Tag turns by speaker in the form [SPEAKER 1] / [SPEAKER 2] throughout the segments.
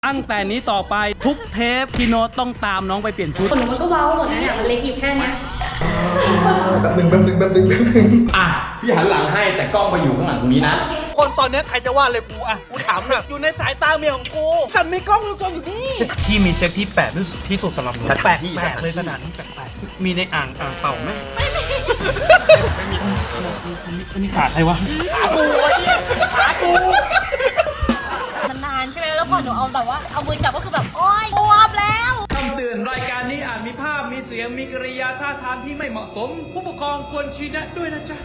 [SPEAKER 1] ตั้งแต่นี้ต่อไปทุกเทปพี่โน้ตต้องตามน้องไปเปลี่ยนชุด
[SPEAKER 2] หนูมันก็เว้าหมดนะเนี่ยมันเล็กอยู่แค่นี้
[SPEAKER 3] แป๊บนึงอ่ะพี่หันหลังให้แต่กล้องไปอยู่ข้างหลังตรงนี้นะ
[SPEAKER 1] คนตอนนี้ใครจะว่าเลยกูอ่ะกูถามแบบอยู่ในสายตาเมียของกูฉันมีกล้องอยู่นี่พี่มีเซ็ตที่แปลกที่สุดสำหรับหนูแปลกเลยขนาดนี้แปลกมีในอ่างเป่าไหมไม่มีอันนี้ขาใครวะขากู
[SPEAKER 2] นานใช่ไหมแล้วพอหนูเอาแบบว่าเอามือจับก็คือแบบโอ๊ยบวมแล้ว
[SPEAKER 1] คำเตือนรายการนี้อาจมีภาพมีเสียงมีกริยาท่าทางที่ไม่เหมาะสมผู้ปกครองควรชี้แนะด้วยนะจ๊ะ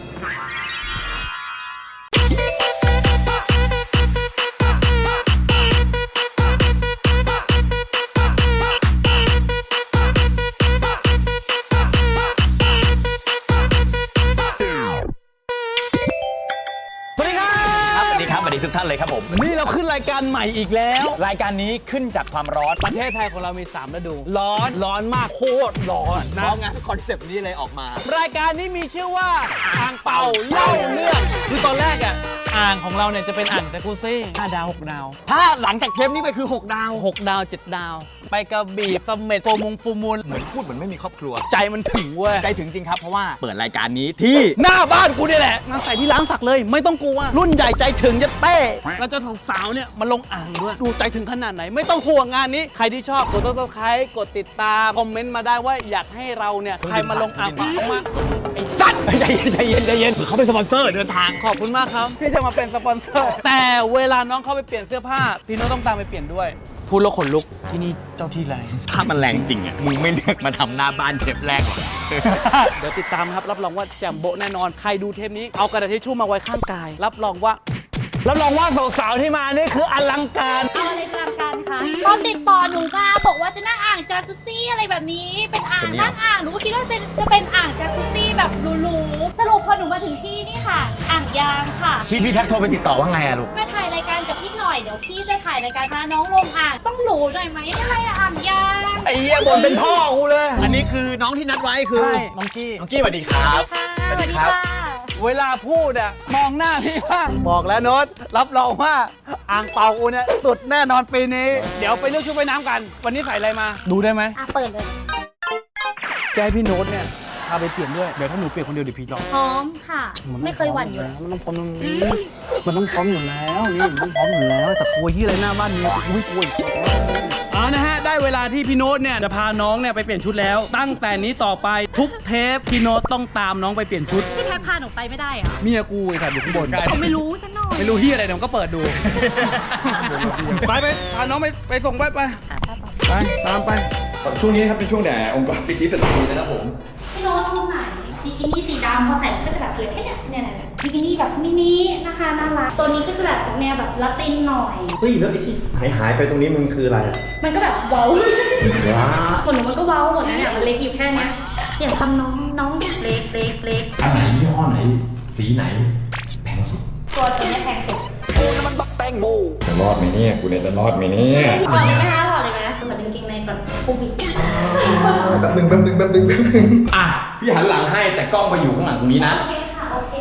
[SPEAKER 3] สวัสดีทุกท่านเลยครับผม
[SPEAKER 1] นี่เราขึ้นรายการใหม่อีกแล้ว
[SPEAKER 3] รายการนี้ขึ้นจากความร้อน
[SPEAKER 1] ประเทศไทยของเรามี3ฤดูร้อนมากโคตรร้อนนะ
[SPEAKER 3] เพราะงั้นคอนเซปต์นี้เลยออกมาร
[SPEAKER 1] ายการนี้มีชื่อว่าอ่างเป่าเล่าเรื่องคือตอนแรกอ่ะอ่างของเราเนี่ยจะเป็นอ่างจากุซซี่5 ดาว 6 ดาว
[SPEAKER 3] ถ้าหลังจากเทปนี้ไปคือ6 ดาว
[SPEAKER 1] 6 ดาว 7 ดาวไปกระบี่เสม็ดฟูมูล
[SPEAKER 3] เหมือนพูดเหมือนไม่มีครอบครัว
[SPEAKER 1] ใจมันถึงเว้ย
[SPEAKER 3] ใจถึงจริงครับเพราะว่าเปิดรายการนี้ที่
[SPEAKER 1] หน้าบ้านกูนี่แหละงานใส่ที่ร้านสักเลยไม่ต้องกลัวรุ่นใหญ่ใจถึงจะเต้แล้วจะสาวเนี่ยมาลงอ่างด้วยดูใจถึงขนาดไหนไม่ต้องห่วงงานนี้ใครที่ชอบกดSubscribeกดติดตามคอมเมนต์มาได้ว่าอยากให้เราเนี่ยใครมาลงอ่างมาไอ้สัตว์
[SPEAKER 3] ใจเย็นเขาเป็นสปอนเซอร์เดินทาง
[SPEAKER 1] ขอบคุณมากครับที่จะมาเป็นสปอนเซอร์แต่เวลาน้องเข้าไปเปลี่ยนเสื้อผ้าพี่น้องต้องตามไปเปลี่ยนด้วยพูดแล้วขนลุกที่นี่เจ้าที่แรง
[SPEAKER 3] ถ้ามันแรงจริงอ่ะมึงไม่เลือกมาทำหน้าบ้านเทปแรกหรอก
[SPEAKER 1] เดี๋ยวติดตามครับรับรองว่าแจ่มโบะแน่นอนใครดูเทปนี้เอากระดาษทิชชู่มาไว้ข้างกายรับรองว่าสาวๆที่มานี่คืออลังการ
[SPEAKER 2] อะไรอลังการคะตอนติดต่อหนูมาบอกว่าจะนั่งอ่างจากุซซี่อะไรแบบนี้เป็นอ่างนั่งอ่างหนูก็คิดว่าจะเป็นอ่างจากุซซี่แบบหรูๆสรุปพอหนูมาถึงที่นี่ค่ะอ่างยางค่ะ
[SPEAKER 3] พี่แท็กโทรไปติดต่อว่าไงอะลูก
[SPEAKER 2] มาถ่ายรายการกับพี่หน่อยเดี๋ยวพี่จะถ่ายรายการพาน้องลงอ่างต้องหรูหน่อยไหมอะไรอ่างยาง
[SPEAKER 1] ไอ้เหี้ยบนเป็นพ่อกูเลย
[SPEAKER 3] อันนี้คือน้องที่นัดไว้คือ
[SPEAKER 1] น้องกี้
[SPEAKER 3] สวัสดีครับ
[SPEAKER 2] สวัสดีครับ
[SPEAKER 1] เวลาพูดอะมองหน้าพี่บ้างบอกแล้วโน้ตรับรองว่าอ่างเป่าอูเนี่ยสุดแน่นอนปีนี้เดี๋ยวไปเลือกชุดว่ายน้ำกันวันนี้ใส่อะไรมาดูได้ไหม
[SPEAKER 2] เปิดเลย
[SPEAKER 1] ใจพี่โน้ตเนี่ยพาไปเปลี่ยนด้วยเดี๋ยวถ้าหนูเปลี่ยนคนเดียวเดี๋ยวพี่ร้อง
[SPEAKER 2] พร้อมค่ะไม่เคยหวั่นอยู่
[SPEAKER 1] มันต้องพร้อมอยู่แล้วนี่มันต้องพร้อมอยู่แล้วแต่กลัวที่อะไรหน้าบ้านเนี่ยอุ้ยกลัวนะฮะได้เวลาที่พี่โน้ตเนี่ยจะพาน้องเนี่ยไปเปลี่ยนชุดแล้วตั้งแต่นี้ต่อไปทุกเทปพี่โน้ตต้องตามน้องไปเปลี่ยนชุด
[SPEAKER 2] พี่แท็กพาหนูไปไม่ได้เหรอ
[SPEAKER 1] เมียกูไอ้สัตว์อยู่ข้างบน
[SPEAKER 2] ผมไม่รู้สักหน่อย
[SPEAKER 1] ไม่รู้ที่อะไรเดี๋ยวก็เปิดดูไปพาน้องไปส่งไปตามไป
[SPEAKER 3] ช่วงนี้ครับเป็นช่วงแด่องค์กรสิทธิสตรีนะครับผม
[SPEAKER 2] พี่โน้ตชุดไหนบิกินี่สีดำพอใส่ก็จะแบบเหลือแค่เนี่ยบิกินี่แบบมินินะคะน่ารักตัวนี้ก็จะแบบแนวแบบละตินหน่อย
[SPEAKER 3] เฮ้ยแล้วไอ้ที่หายไปตรงนี้มันคืออะไร
[SPEAKER 2] มันก็แบบเว้าคนหนูมันก็เว้าหมดนะเนี่ยมันเล็กอยู่แค่นี้อย่างทำน้องเล็ก
[SPEAKER 3] อันไหนยี่ห้อไหนสีไหนแพงสุด
[SPEAKER 2] ตัวนี้แพงสุด
[SPEAKER 1] กูนี่มันบักแตงโม
[SPEAKER 3] จะรอดไหมเนี่ยกูเนี่ยจะรอดไหมเนี่ย
[SPEAKER 2] หล่อเลยไหมคะหล่อเลยไหมสำหรับกางเกงในแบบปูบิด
[SPEAKER 3] แป๊บนึงอ่ะพี่หันหลังให้แต่กล้องไปอยู่ข้างหลังตรงนี้นะ
[SPEAKER 2] โอเคค่ะโอเค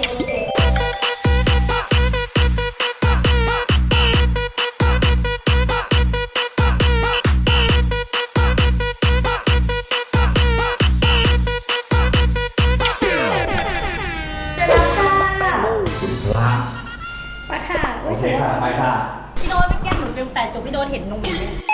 [SPEAKER 2] ไปค่ะ
[SPEAKER 3] โอเคค่ะไปค่ะ
[SPEAKER 2] พี่โน้ตไม่แก้หนูลืมแต่จบพี่โน้ตเห็นนมอยู่เนี่ย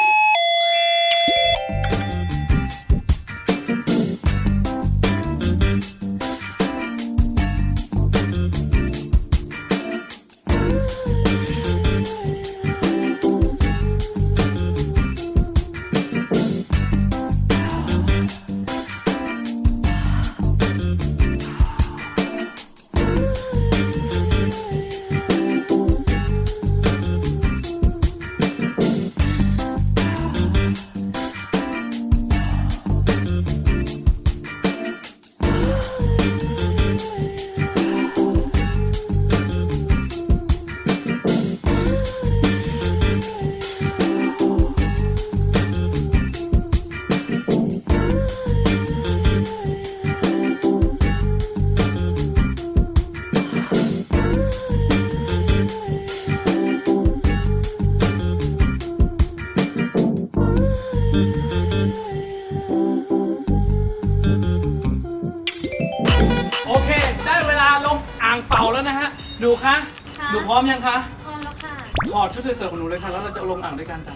[SPEAKER 1] หนูคะ
[SPEAKER 2] ค่ะ
[SPEAKER 1] หนูพร้อมยังคะ
[SPEAKER 2] พร้อมแล้วค่ะ
[SPEAKER 1] ถอดชุดสวยๆของหนูเลยค่ะ แล้วเราจะเอาลงอ่างด้วยกันจ้ะ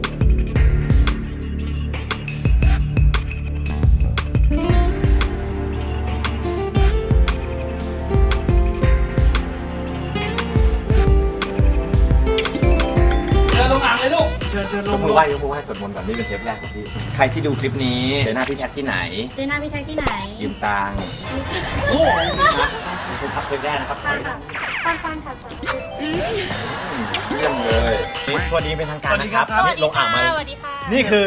[SPEAKER 1] เชิญลงอ่างเลยลูก เชิญล
[SPEAKER 3] ย
[SPEAKER 1] ง
[SPEAKER 3] กมือไหว้สวดมนต์ก่อนนี่เป็นเทปแรกของพี่ ใครที่ดูคลิปนี้เจอหน้าพี่แท็กที่ไหน
[SPEAKER 2] เจอหน้าพี่แท็กที่ไหน
[SPEAKER 3] ยืมตังค์
[SPEAKER 1] โอ้
[SPEAKER 3] ผมชมครับเทปแรกนะครับ
[SPEAKER 2] ฟังค่ะฟังค่ะ
[SPEAKER 3] เรื่องเลยสวัสดีเป็นทางการนะครับ
[SPEAKER 2] สวัส
[SPEAKER 3] นี่
[SPEAKER 2] ดี
[SPEAKER 3] ลงอ่างมา
[SPEAKER 2] ค่ะสวัสดีค่ะ
[SPEAKER 3] นี่คือ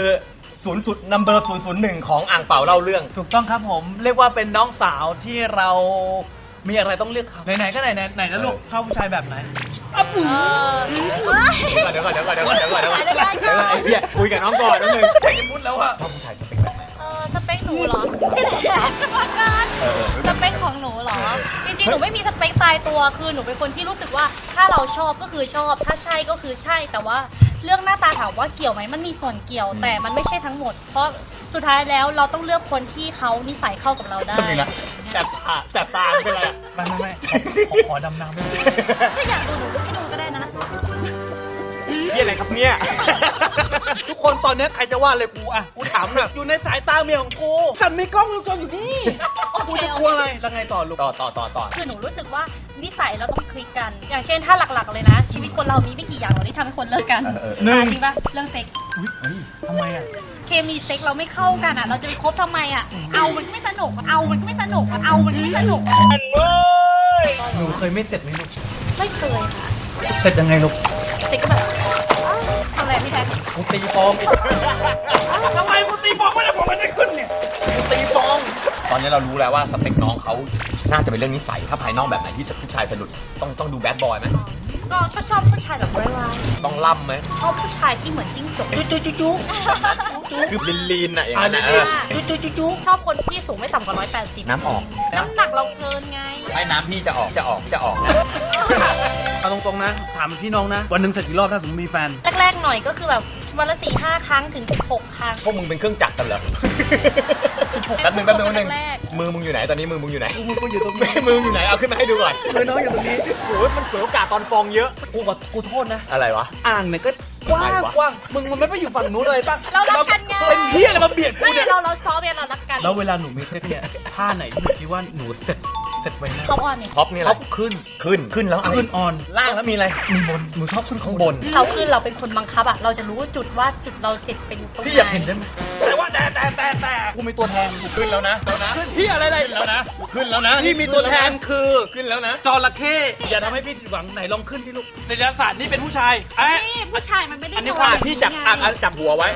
[SPEAKER 3] number 001ของอ่างเป่าเล่าเรื่อง
[SPEAKER 1] ถูกต้องครับผม เรียกว่าเป็นน้องสาวที่เรามีอะไรต้องเลือกเขาไหนๆก็ไหนนะลูกชอบผู้ชายแบบไหนอ่ะปุ๋ย
[SPEAKER 3] เดี๋ยวก่อนไอ้เหี้ยคุยกับน้องก่อนนิดนึง
[SPEAKER 1] ใจจะมุดแล้วอะ
[SPEAKER 3] ชอบผู้ชายสเปคแบบไหน
[SPEAKER 2] สเปคหนูเหรอพี่แท็กมากัน
[SPEAKER 3] เออ
[SPEAKER 2] สเปคของหนูเหรอ จริงๆ หนูไม่มีสเปคตายตัว คือหนูเป็นคนที่รู้สึกว่าถ้าเราชอบก็คือชอบ ถ้าใช่ก็คือใช่ แต่ว่าเรื่องหน้าตาถามว่าเกี่ยวไหมมันมีส่วนเกี่ยว แต่มันไม่ใช่ทั้งหมด เพราะสุดท้ายแล้วเราต้องเลือกคนที่เขานิสัยเข้ากับเราได้
[SPEAKER 3] จริงนะจับตาเป็นไรอ่ะ
[SPEAKER 1] ไม่ขอดำน้ำไม่ได้
[SPEAKER 2] ถ้าอยากดูหนูไม่ดูก็ได้นะ
[SPEAKER 3] นี่อะไรครับเนี่ย
[SPEAKER 1] ทุกคนตอนนี้ใครจะว่าเลยกูอ่ะกูถามหน่อยอยู่ในสายตาเมียของกูฉันมีกล้องวงจรอยู่นี่กูจะกลัวอะไรแล้วไงต่อลูก
[SPEAKER 3] ต่อ
[SPEAKER 2] คือหนูรู้สึกว่านิสัยเราต้องคลิกกัน อย่างเช่นถ้าหลักๆเลยนะ ชีวิตคนเรามีไม่กี่อย่างหรอกที่ทำให้คนเลิกกัน
[SPEAKER 1] หนึ่ง
[SPEAKER 2] จริงปะเรื่องเซ็ก
[SPEAKER 1] เฮ้ยทำไมอ่ะ
[SPEAKER 2] เคมีเซ็กเราไม่เข้ากันอ่ะ เราจะไปคบทำไมอ่ะ เอามันไม่สนุกอะเอามันไม่สนุกอะเอามันไม่สนุกอะ
[SPEAKER 1] หนูเคยไม่เสร็จไหมลูก
[SPEAKER 2] ไม่เคยค่ะ
[SPEAKER 1] เสร็จยังไงลูก
[SPEAKER 2] เซ็กก็แบบทำอะไรพี่แท็ก
[SPEAKER 1] กูตีฟองทำไมกูตีฟองไม่ได้ผมไม่ได้ขึ้นเนี่ยกูตีฟอง
[SPEAKER 3] ตอนนี้เรารู้แล้วว่าสเปคน้องเขาน่าจะเป็นเรื่องนิสัยถ้าภายนอกแบบไหนที่ผู้ชายสะดุดต้องดูแบดบอยไหม
[SPEAKER 2] ก็ชอบผู้ชายแบบร้าย
[SPEAKER 3] ต้องล่ำไหม
[SPEAKER 2] ๆชอบผู้ชายที่เหมือนจิ้งจก
[SPEAKER 1] จุ๊
[SPEAKER 3] คือลีนๆอ่ะอย่างนั้น
[SPEAKER 1] จุ๊
[SPEAKER 2] ชอบคนที่สูงไม่ต่ำกว่า180
[SPEAKER 3] น้ำออก
[SPEAKER 2] น้ำหนักเราเกินไง
[SPEAKER 3] ให้น้ำพี่จะออกนะ
[SPEAKER 1] เอาตรงๆนะถามพี่น้องนะวันหนึ่งเสร็จกี่รอบถ้าสมมติมีแฟน
[SPEAKER 2] แรกๆหน่อยก็คือแบบวันละ 4-5 ครั้งถึง 16 ครั้ง
[SPEAKER 3] พวกมึงเป็นเครื่องจักรกันเหรอแป๊บนึงมือมึงอยู่ไหนตอนนี้มือมึงอยู่ไหน
[SPEAKER 1] กูอยู่ตรงนี้
[SPEAKER 3] มือมึงอยู่ไหนเอาขึ้นมาให้ดูก่อน
[SPEAKER 1] มือน้องอยู่ตรงนี้
[SPEAKER 3] โอ้ยมันเปิดโอกาสตอนฟองเยอะ
[SPEAKER 1] กูโทษนะ
[SPEAKER 3] อะไรวะ
[SPEAKER 1] อ่างเนี่ยก็กว้าง
[SPEAKER 3] อะไรวะ
[SPEAKER 1] กว้างมึงมันไม่ไปอยู่ฝั่งนู้นเลยป่ะ
[SPEAKER 2] เรารักกันไง
[SPEAKER 1] เป็นที่อะไรมาเบียดกู
[SPEAKER 2] ไม่
[SPEAKER 1] เนี่ย
[SPEAKER 2] เราซ้อมเนี่ยเรารักกัน
[SPEAKER 1] แล้วเวลาหนูมีเซ็กเนี่ยท่าไหนที่หนูคิดว่าหนูเสร็จไว้นะ
[SPEAKER 2] เขาอ่อนเนี่ย
[SPEAKER 3] ท็อปนี่อะไร
[SPEAKER 1] ท็อปขึ้น
[SPEAKER 3] ขึ้นแล้วอะไร
[SPEAKER 1] ขึ้นออน
[SPEAKER 3] ล่างแล้วมีอะไร
[SPEAKER 1] มีบนหนูชอบขึ้น
[SPEAKER 3] ข้างบน
[SPEAKER 2] เราคือเราเป็นคนบังคับอะเราจะรู้จุดว่าจุดเราเสร็จเป็นตรงไหน
[SPEAKER 1] พี่อยากเห็นได้ไหมแต่ว่าแต่กูมีตัวแทน
[SPEAKER 3] ขึ้นแล้วนะ
[SPEAKER 1] ขึ้นที่อะไร
[SPEAKER 3] แล้วนะขึ้นแล้วนะ
[SPEAKER 1] ที่มีตัวแทนคือ
[SPEAKER 3] ขึ้นแล้วนะ
[SPEAKER 1] จระเข้อย่าทำให้พี่ผิดหวังไหนลองขึ้นที่ลูกในดาราศาสตร์นี่เป็นผู้ชายเอ๊ะ
[SPEAKER 2] นี่ผู้ชายมันไม่ได้
[SPEAKER 1] อันนี้
[SPEAKER 2] โด
[SPEAKER 1] ค่ะ
[SPEAKER 2] ย่าง
[SPEAKER 3] พี่จับจับหัวไว้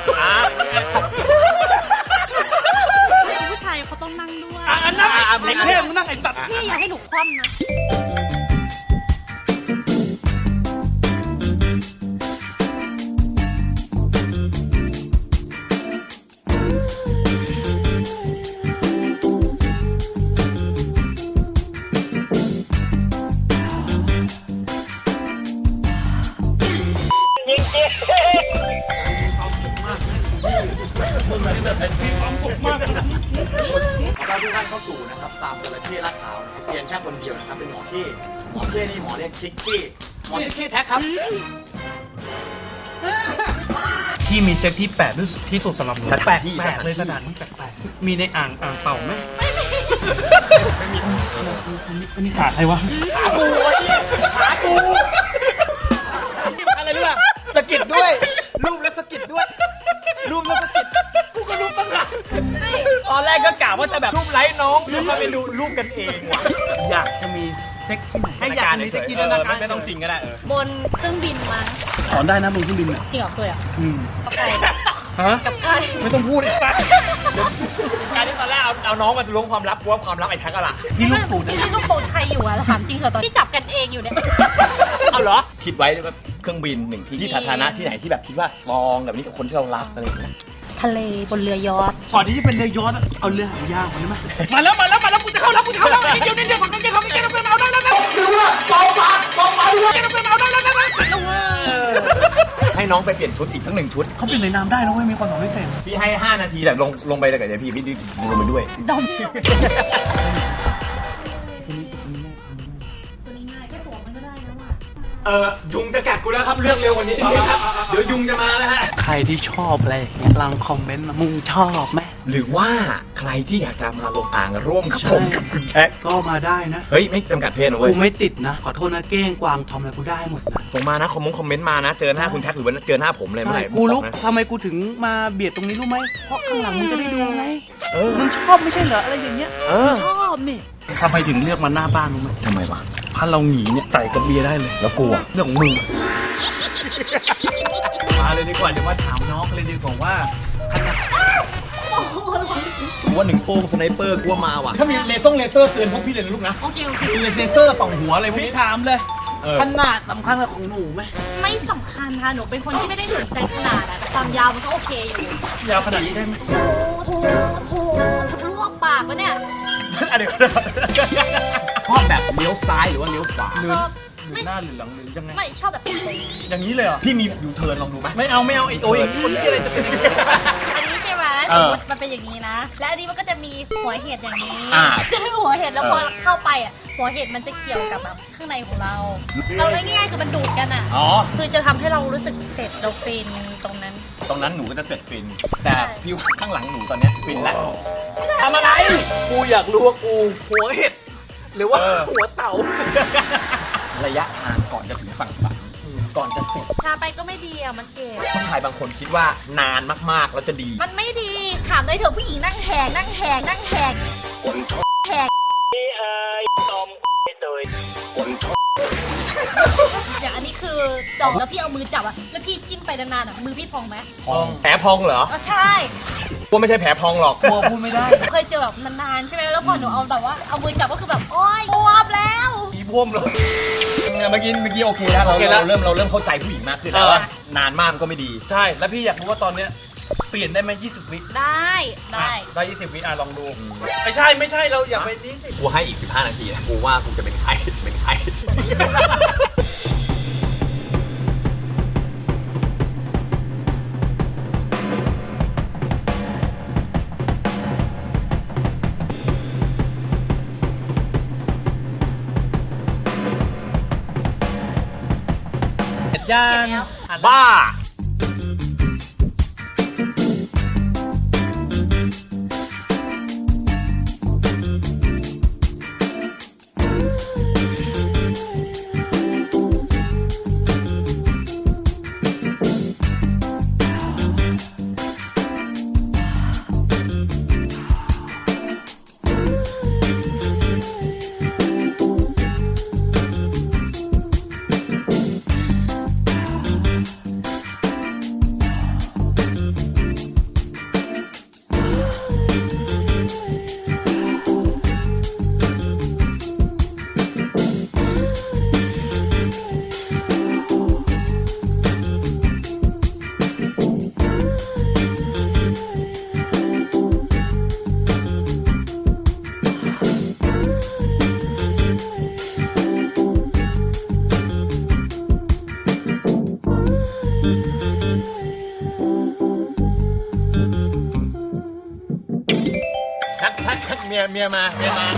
[SPEAKER 2] ผู้ชายเขาต้องนั่งด้วย
[SPEAKER 1] อันนั่งไอ้เท่มึงนั่งไอ้ตัด
[SPEAKER 2] พี่อย่าให้หนูคว่ำนะ
[SPEAKER 3] ขอต้อนรับทุกท่านเข้าสู่นะครับตามจระเข้ลาดพร้าวนะครับเพียงแค่คนเดียวนะครับเป็นหมอเท่นี่หมอเรียกชิคกี้หมอชิคกี้แท็กครับ
[SPEAKER 1] ที่มีเซ็กที่แปลกที่สุดสำหรับหนู
[SPEAKER 3] แปลก
[SPEAKER 1] เลยขนาดนี้แปลกมีในอ่างเป่าไหมอันนี้ขาใครวะ
[SPEAKER 3] ขากูอะไรรู้ป่ะสะกิดด้วยรูปแล้วสะกิดด้วยรูปแล้วสะกิดกูก็รูปตั้งหลักตอนแรกก็กะว่าจะแบบรูปไลค์น้องรูปมาเป็นดูรูปกันเองว่ะ
[SPEAKER 1] อยากจะมีเซ็กที่ไหน
[SPEAKER 3] ให้อยากมีเซ็กที่นั่นนะครับไม่ต้องจริงก็ได้
[SPEAKER 2] บนเครื่องบินมา
[SPEAKER 1] สอนได้นะมึงขึ้นบินเนี่ย
[SPEAKER 2] จริงเหรอเคยอ่ะ กับใคร
[SPEAKER 1] ฮะ
[SPEAKER 2] กับใคร
[SPEAKER 1] ไม่ต้องพูดอีกปะ
[SPEAKER 3] การที่ตอนแรกเอาน้องมาล้วงความลับกลัวความลับไอ้แท็กอะล่ะ
[SPEAKER 1] นี่ลูกตูด
[SPEAKER 2] นี่ลูกตูดใครอยู่อะถามจริงเหรอตอนที่จับกันเองอยู่เนี่ย
[SPEAKER 3] เอาเหรอคิดไว้ว่าเครื่องบินหนึ่งที่สาธารณะที่ไหนที่แบบคิดว่าฟองแบบนี้กับคนที่เรารักอะไรอย่างเงี้ย
[SPEAKER 2] ทะเลบนเรือยอชต์
[SPEAKER 1] ก่อนที่จะเป็นเรือยอชต์เอาเรือหางยาวก่อนได้ไหมมาแล้วกูจะเข้าแล้วนิดเดียวผมก็จะเข้าไม่ได้เอาได้แล้วดูว่าเบาปากด้วยเอาได้แล้ว
[SPEAKER 3] ให้น้องไปเปลี่ยนชุดอีกสักหนึ่งชุด
[SPEAKER 1] เขาเป็นในน้ำได้นะเว้ยมีความสามารถพิเศษ
[SPEAKER 3] พี่ให้ 5 นาทีแบบลงไปเลยกับเดี๋ยวพี่ลงไปด้วย
[SPEAKER 2] ดอมตัวนี้ง่ายแค่ตัวมันก็
[SPEAKER 3] ยุงจะกัดกูแล้วครับเลือกเร็วกว่านี้ครับเดี๋ยวยุงจะมาแล้วฮะ
[SPEAKER 1] ใครที่ชอบอะไรอย่างเงี้ยลองคอมเมนต์มามึงชอบไหม
[SPEAKER 3] หรือว่าใครที่อยากจะมาลงอ่างร่วมกับผมกับคุณแท็ก
[SPEAKER 1] ก็มาได้นะ
[SPEAKER 3] เฮ้ยไม่จำกัดเพศนะเว้ย
[SPEAKER 1] กูไม่ติดนะ ขอโทษนะเก้งกวางทอมอะไรกูได้หมดนะ
[SPEAKER 3] ส่งมานะคอมเมนต์มานะเจอหน้าคุณแท็กหรือว่าเจอหน้าผมเลยเมื่อไหร่
[SPEAKER 1] กูรู้
[SPEAKER 3] บอกนะ
[SPEAKER 1] ทำไมกูถึงมาเบียดตรงนี้รู้ไหมเพราะข้างหลังมึงจะได้ดูไง
[SPEAKER 3] เออ
[SPEAKER 1] มึงชอบไม่ใช่เหรออะไรอย่างเงี้ย
[SPEAKER 3] เออ
[SPEAKER 1] ชอบนี่ทำไมถึงเลือกมาหน้าบ้านรู้ไหม
[SPEAKER 3] ทำไมวะ
[SPEAKER 1] ถ้าเราหนีเนี่ยใส่กับเบียร์ได้เลย
[SPEAKER 3] แล้วกูอะ
[SPEAKER 1] เรื่องของมึงมาเลยดีกว่าเดี๋ยวมาถามน้องเลยดีกว่าว่าขนาด
[SPEAKER 3] กูว่าหนึ่งโป้งสไนเปอร์กูว่ามาว่ะถ้ามีเลเซอร์เตือนพวกพี่เลยนะลูกนะ
[SPEAKER 2] โอเคโอเค
[SPEAKER 3] มีเลเซอร์ส่องหัวอะไรพวก
[SPEAKER 1] พี่
[SPEAKER 3] นี้
[SPEAKER 1] ถามเลย
[SPEAKER 3] เออ
[SPEAKER 1] ขนาดสำคัญกับของหนูไหม
[SPEAKER 2] ไม่สำคัญค่ะหนูเป็นคนที่ไม่ได้สนใจขนาดอะแต่ความยาวมันก็โอเคอยู่
[SPEAKER 1] ยาวขนาดนี้ได้ไหม
[SPEAKER 2] โอ้ลวกปากปะเนี่ย
[SPEAKER 3] อันเดียวชอบแบบเลี้ยวซ้ายหรือว่าเลี้ยวขวา
[SPEAKER 1] หรือ
[SPEAKER 2] ชอบ
[SPEAKER 1] หรือหน้าหรือหลังหรือยังไง
[SPEAKER 2] ไม่ชอบแบบตรง
[SPEAKER 1] อย่างนี้เลยเหรอ
[SPEAKER 3] พี่มียูเทิร์นลองดูไหม
[SPEAKER 1] ไม่เอาไอ้โอ้ยคนที่อะไรจะเป็นอย่างนี้
[SPEAKER 2] อันนี้ใช่ไหม
[SPEAKER 3] เอ
[SPEAKER 2] สม
[SPEAKER 3] อ
[SPEAKER 2] มติมันเป็นอย่างนี้นะ และอันนี้มันก็จะมีหัวเห็ดอย่างนี้
[SPEAKER 3] อ่า
[SPEAKER 2] หัวเห็ดแล้วพอเข้าไปอ่ะหัวเห็ดมันจะเกี่ยวกับแบบข้างในของเราเอาง่ายๆคือมันดูดกันอ่ะ
[SPEAKER 3] อ๋อ
[SPEAKER 2] คือจะทำให้เรารู้สึกเสร็จเราฟินตรงนั้น
[SPEAKER 3] ตรงนั้นหนูก็จะเสร็จฟิน แต่พี่ว่าข้างหลังหนูตอนเนี้ยฟินแล้ว
[SPEAKER 1] ทำอะไร กูอยากรู้ว่ากูหัวเห็ด หรือว่า
[SPEAKER 3] เออ
[SPEAKER 1] หัวเต่า
[SPEAKER 3] ระยะทางก่อนจะถึงฝั่งฝันก่อนจะเสร็จ
[SPEAKER 2] ชาไปก็ไม่ดีอ่ะมันเจ็บ
[SPEAKER 3] ผู้ชายบางคนคิดว่านานมากๆแล้วจะดี
[SPEAKER 2] มันไม่ดีถามได้เถอะผู้หญิงนั่งแหกนั่งแหกนั่งแหกแหกอย่างอันนี้คือจ่องแล้วพี่เอามือจับอ่ะแล้วพี่จิ้มไปนานๆอ่ะมือพี่พองไหม
[SPEAKER 3] พองแผลพองเหรอ
[SPEAKER 2] ก็ใช่
[SPEAKER 3] กูไม่ใช่แผลพองหรอก
[SPEAKER 1] กลัวพูดไม่ได้
[SPEAKER 2] เคยเจอแบบนานๆใช่ไหมแล้วพอหนูเอาแบบว่าเอามือจับก็คือแบบโอ๊ยบวมแล้ว
[SPEAKER 1] ผีบวมเลย
[SPEAKER 3] เมื่อกี้โอเคแล้วเรา
[SPEAKER 1] โอเคแล้ว
[SPEAKER 3] เริ่มเข้าใจผู้หญิงมากขึ้นแล้ว
[SPEAKER 1] เออ
[SPEAKER 3] ว่านานมากมันก็ไม่ดี
[SPEAKER 1] ใช่ แล้วพี่อยากรู้ว่าตอนเนี้ยเปลี่ยนได้ไหม20 วิ
[SPEAKER 2] ได้ได้
[SPEAKER 1] ได้20 วิลองดู ไม่ใช่เราอย่าไปนี้สิ
[SPEAKER 3] กูให้อีก15นาทีนะกูว่ากูจะเป็นไข้เป็นไข้
[SPEAKER 1] เสร็จยัง
[SPEAKER 3] บ้า ทักเมียมาไม่ใช่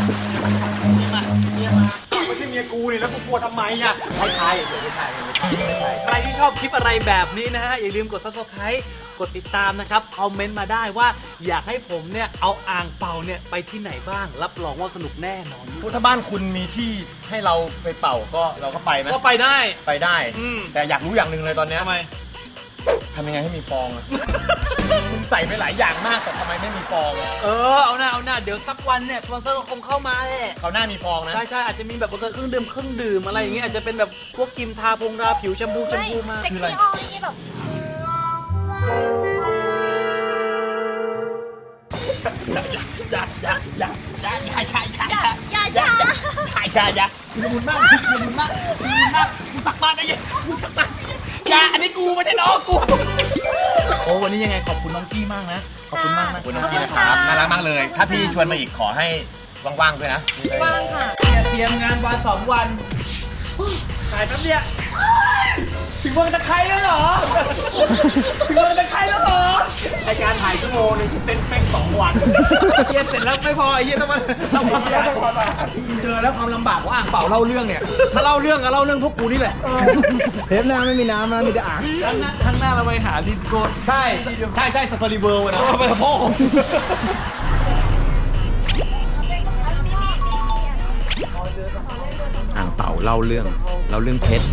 [SPEAKER 3] เมียกูนี่แล้วกูกลัวทำไมอ่ะไม่ใช่
[SPEAKER 1] ใครที่ชอบคลิปอะไรแบบนี้นะฮะ อย่าลืมกด subscribe กดติดตามนะครับ คอมเมนต์มาได้ว่าอยากให้ผมเนี่ย เอาอ่างเป่าเนี่ย ไปที่ไหนบ้าง รับรองว่าสนุกแน่นอน
[SPEAKER 3] ถ้าบ้านคุณมีที่ให้เราไปเป่าก็เราก็ไปไหม
[SPEAKER 1] ก็ไปได้
[SPEAKER 3] ไปได้
[SPEAKER 1] อืม
[SPEAKER 3] แต่อยากรู้อย่างหนึ่งเลยตอนเนี้ย
[SPEAKER 1] ทำไม
[SPEAKER 3] ทำยังไงให้มีฟองอ่ะ คุณใส่ไปหลายอย่างมากแต่ทำไมไม่มีฟอง
[SPEAKER 1] เอาหน้าเดี๋ยวสักวันเนี่ยสปอนเซอร์ก็คงเข้ามาแหละ
[SPEAKER 3] เขาหน้ามีฟองนะ
[SPEAKER 1] ใช่อาจจะมีแบบเครื่องดื่มอะไรอย่างเงี้ยอาจจะเป็นแบบพวกครีมทาผิวแชมพูมา
[SPEAKER 2] เซ็ก
[SPEAKER 1] คืออะไร
[SPEAKER 2] ซี่ออลนี่แบบ
[SPEAKER 3] อย่าคุณมุนมากกูตักบ้านได้ยังกูตักบ้านอย่าอันนี้กูไม่ได้น้องกู
[SPEAKER 1] โอ้วันนี้ยังไงขอบคุณน้องกี้มากนะ ขอบคุณมากนะ
[SPEAKER 3] ขอบคุณน้องพี่นะครับน่ารักมากเลย ถ้าพี่ชวนมาอีกขอให้ว่างๆด้วยนะ
[SPEAKER 2] ว่างค่ะ
[SPEAKER 1] เตรียมงานวัน2 วันถ่ายแป๊บเดียวถึงวันตะไคร้แล้วเหรอ ถึงวันตะไคร้แล้วเหรอรายการถ่าย
[SPEAKER 3] โมงนึงเต้นแป้ง2 วันเฮียเสร็จแล้วไม่พอไอ้เฮียต้องมาทำความสะอาดเจอแล้วความลำบากของอ่างเป่าเล่าเรื่องเนี่ยถ้าเล่าเรื่องก็เล่าเรื่องพวกกูนี่แหละ
[SPEAKER 4] เทปหน้าไม่มีน้ำนะมีแต่อ่าง
[SPEAKER 1] ข้างหน้าเราไปหาดินโกน
[SPEAKER 3] ใช่สตอรี่เวิร์นะไปกับพ่อ
[SPEAKER 4] อ่างเป่าเล่าเรื่องเพชร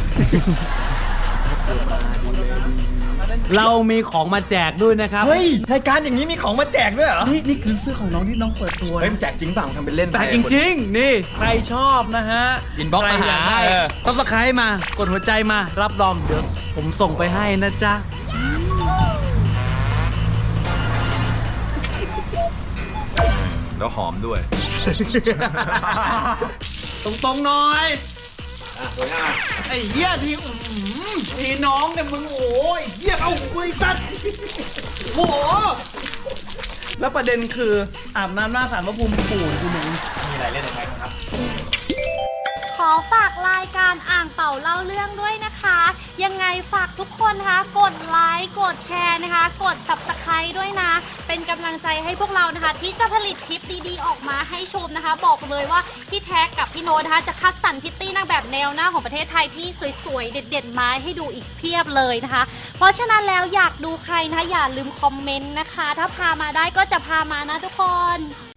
[SPEAKER 1] เรามีของมาแจกด้วยนะครับ
[SPEAKER 4] เฮ้ยรายการอย่างนี้มีของมาแจกด้วยเหรอ
[SPEAKER 1] นี่คือเสื้อของน้องที่น้องเปิดตัว
[SPEAKER 4] เฮ้ยมันแจกจริงเปล่าทำเป็นเล่นไป
[SPEAKER 1] แต่จริงๆ นี่ใครชอบนะฮะ
[SPEAKER 4] Inbox มาหา
[SPEAKER 1] ซับสไครต์มา กดหัวใจมา รับรองเดี๋ยวผมส่งไปให้นะจ๊ะ
[SPEAKER 4] แล้วหอมด้วย
[SPEAKER 1] ตรงๆหน่อย ไอ้เหี้ยทีน้องเนี่ยมึงโอ้ยเหี้ยเอาคุยสัตว์โอ้โหแล้วประเด็นคืออาบน้ำหน้าศาลพระภูมิปู่กูหนึ่ง
[SPEAKER 3] มีอะไรเล่นอะไรครับ
[SPEAKER 2] ขอฝากรายการอ่างเป่าเล่าเรื่องด้วยนะคะ ยังไงฝากทุกคนนะคะ กดไลค์กดแชร์นะคะ กด Subscribe ด้วยนะ เป็นกำลังใจให้พวกเรานะคะ ที่จะผลิตคลิปดีๆออกมาให้ชมนะคะ บอกเลยว่าพี่แท็กกับพี่โน้ตนะคะจะคัดสรรพิตตี้นางแบบแนวหน้าของประเทศไทยที่สวยๆเด็ดๆมาให้ดูอีกเพียบเลยนะคะ เพราะฉะนั้นแล้วอยากดูใครนะคะอย่าลืมคอมเมนต์นะคะ ถ้าพามาได้ก็จะพามานะทุกคน